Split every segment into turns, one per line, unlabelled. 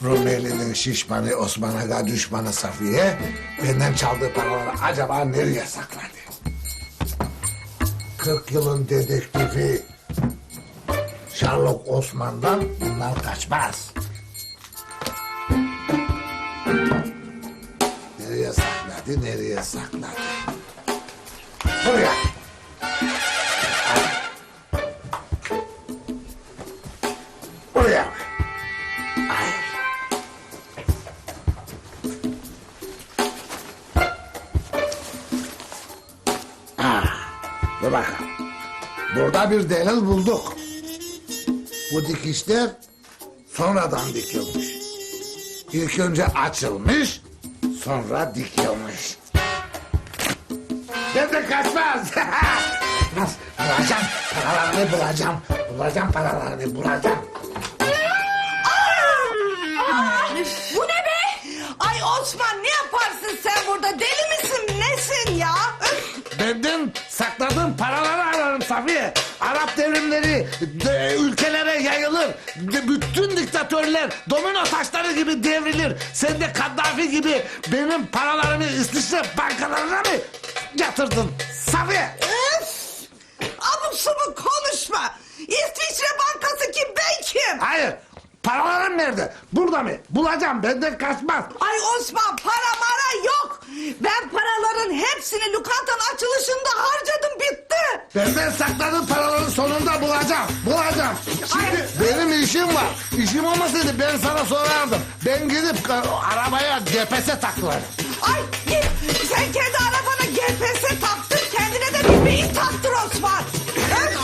Rumeli'nin şişmanı Osman Aga düşmanı Safiye benden çaldığı paraları acaba nereye sakladı? 40 yılın dedektifi Sherlock Osman'dan bunlar kaçmaz. Nereye sakladı, nereye sakladı? Buraya. Buraya. Hayır. Dur bakalım. Burada bir delil bulduk. Bu dikişler sonradan dikilmiş. İlk önce açılmış, sonra dikilmiş. Ben de kaçmaz. Bulacağım, paralarını bulacağım. Bulacağım paralarını, bulacağım.
Bu ne be? Ay Osman ne yaparsın sen burada? Deli misin nesin ya?
Benden sakladığım paraları ararım Safiye. Arap devrimleri ülkelere yayılır. Bütün diktatörler domino taşları gibi devrilir. Sen de Kaddafi gibi benim paralarımı İsviçre bankalarına mı yatırdın Safiye?
Öf! Abuk subuk konuşma. İsviçre Bankası kim ben kim?
Hayır. Paralarım nerede? Burada mı? Bulacağım. Benden kaçmaz.
Ay Osman para mara yok. Ben paraların hepsini lokantanın açılışında harcadım bitti.
Benden sakladığın paraların sonunda bulacağım. Bulacağım. Şimdi benim işim var. İşim olmasaydı ben sana sorardım. Ben gidip arabaya GPS taktılar.
Ay git sen kendi arabana GPS taktır kendine de bir beyin taktır Osman. Öf!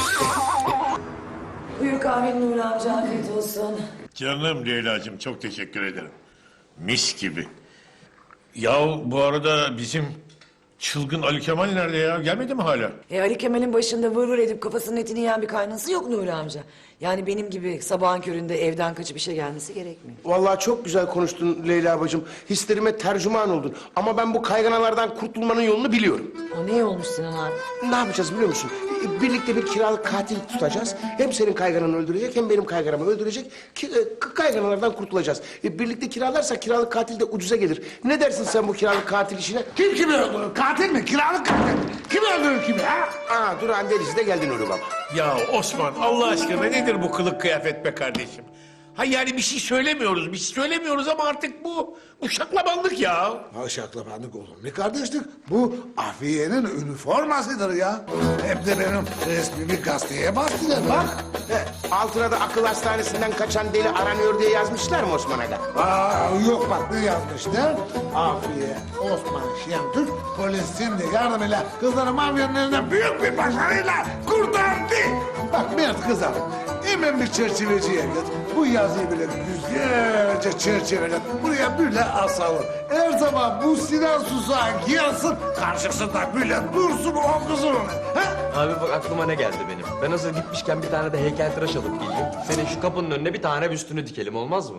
Buyur kahvenin Nuri amca, afiyet olsun.
Canım Leyla'cığım çok teşekkür ederim. Mis gibi. Ya bu arada bizim çılgın Ali Kemal nerede ya? Gelmedi mi hala?
Ali Kemal'in başında vır vır edip kafasının etini yiyen bir kaynası yok Nuri amca. Yani benim gibi sabahın köründe evden kaçıp işe gelmesi gerekmiyor.
Vallahi çok güzel konuştun Leyla bacım. Hislerime tercüman oldun. Ama ben bu kayganalardan kurtulmanın yolunu biliyorum.
O ne olmuş Sinan abi?
Ne yapacağız biliyor musun? Birlikte bir kiralık katil tutacağız. Hem senin kaygananı öldürecek hem benim kayganamı öldürecek. Kayganalardan kurtulacağız. Birlikte kiralarsak kiralık katil de ucuza gelir. Ne dersin sen bu kiralık katil işine?
Kim kimi öldürür? Katil mi? Kiralık katil mi? Kim öldürür kimi ha?
Aa Duran delisi de geldin Nuri baba.
Ya Osman Allah aşkına nedir bu kılık kıyafet be kardeşim? Ha yani bir şey söylemiyoruz ama artık bu şaklabanlık ya.
Ha şaklabanlık olur. Ne kardeşlik? Bu Afiye'nin üniformasıdır ya. Hem de benim resmimi gazeteye bastılar. Bak.
Altına da akıl hastanesinden kaçan deli aranıyor diye yazmışlar mı Osman Aga?
Yok bak ne yazmışlar? Afiye Osman Şentürk polisin de yardımıyla kızları mafyanın elinden büyük bir başarıyla kurtardı. Bak Mert kızarım. Hemen bir çerçeveciye git. Bu yazıyı bile güzelce çerçevele buraya böyle asalım. Her zaman bu Sinan Susağı gelsin karşısında böyle dursun o kızın.
Abi bak aklıma ne geldi benim. Ben hazır gitmişken bir tane de heykeltıraş alıp geleyim. Senin şu kapının önüne bir tane büstünü dikelim olmaz mı?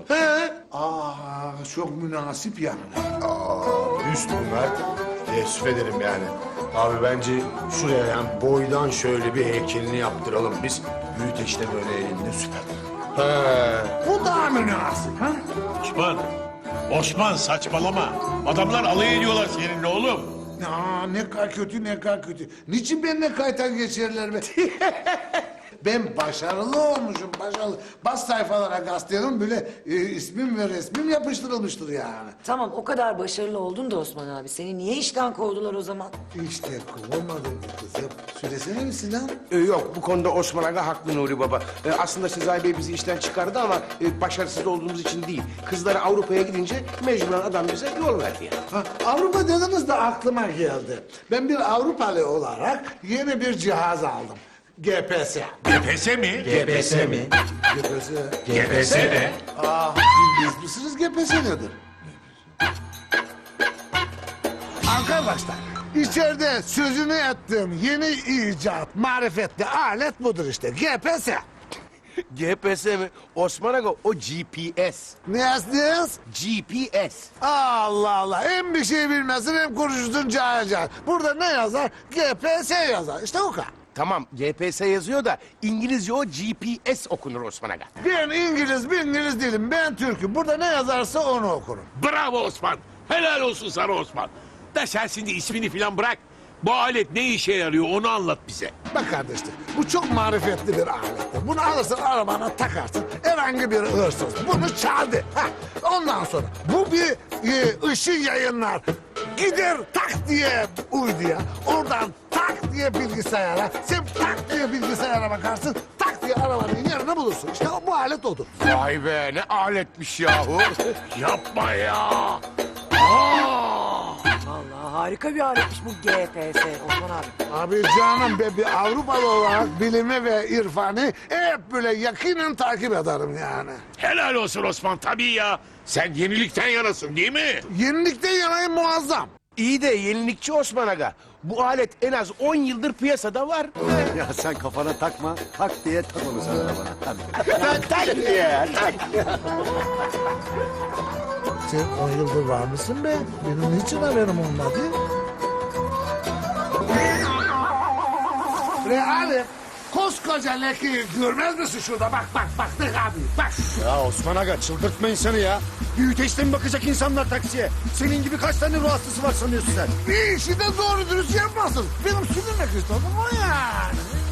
Çok münasip yani.
Üst Mert. Teessüf ederim yani. Abi bence şuraya yani boydan şöyle bir heykelini yaptıralım biz. Büyüteç de böyle elinde süper.
Bu daha münasip. Ha?
Osman saçmalama. Adamlar alay ediyorlar seninle oğlum.
Ne kadar kötü ne kadar kötü. Niçin benimle kaytan geçerler be? Ben başarılı olmuşum başarılı. Bas sayfalara gazetenin böyle ismim ve resmim yapıştırılmıştır yani.
Tamam o kadar başarılı oldun da Osman abi. Seni niye işten kovdular o zaman?
İşte kovulmadım kızım. Söylesene mi Sinan?
Yok bu konuda Osman Aga haklı Nuri Baba. Aslında Sezai Bey bizi işten çıkardı ama başarısız olduğumuz için değil. Kızları Avrupa'ya gidince mecburen adam bize yol verdi yani.
Avrupa dediniz de aklıma geldi. Ben bir Avrupalı olarak yeni bir cihaz aldım. GPS.
GPS mi?
GPS mi?
GPS.
GPS ne?
Bilmez misiniz GPS nedir? Arkadaşlar, içeride sözünü ettiğim yeni icat, marifetli alet budur işte. GPS.
GPS mi? Osman Aga o GPS.
Ne yazdınız?
GPS.
Allah Allah, hem bir şey bilmezsin hem konuşursun cahil cahil. Burada ne yazar? GPS yazar. İşte o kadar.
Tamam GPS yazıyor da İngilizce o GPS okunur Osman Aga.
Ben İngiliz değilim. Ben Türk'üm. Burada ne yazarsa onu okurum.
Bravo Osman. Helal olsun sana Osman. Da sen şimdi ismini falan bırak. Bu alet ne işe yarıyor onu anlat bize.
Bak kardeşlik, bu çok marifetli bir alettir. Bunu alırsın arabana takarsın. Herhangi bir hırsız bunu çaldı. Heh, ondan sonra bu bir ışığı yayınlar. Gider tak diye uyduya. Oradan tak diye bilgisayara. Sen tak diye bilgisayara bakarsın. Tak diye arabanın yerini bulursun. İşte bu alet odur.
Vay be ne aletmiş yahu.
Yapma ya.
Vallahi harika bir aletmiş bu GPS Osman abi.
Abi canım be bir Avrupalı olarak bilimi ve irfanı hep böyle yakinen takip ederim yani.
Helal olsun Osman tabii ya. Sen yenilikten yanasın değil mi?
Yenilikten yanayım muazzam.
İyi de yenilikçi Osman Aga. Bu alet en az 10 yıldır piyasada var.
Ya sen kafana takma. Tak diye tak onu sen arabana. Hadi.
Tak diye, tak.
Sen 10 yıldır var mısın be? Benim niçin haberim olmadı? Ali, koskoca lekeyi görmez misin şurada? Bak ne abi bak.
Ya Osman Aga çıldırtma insanı ya. Büyüteçte mi bakacak insanlar taksiye? Senin gibi kaç tane ruh hastası var sanıyorsun sen?
Bir işi de doğru dürüst yapmasın. Benim sürmek istedim o yani.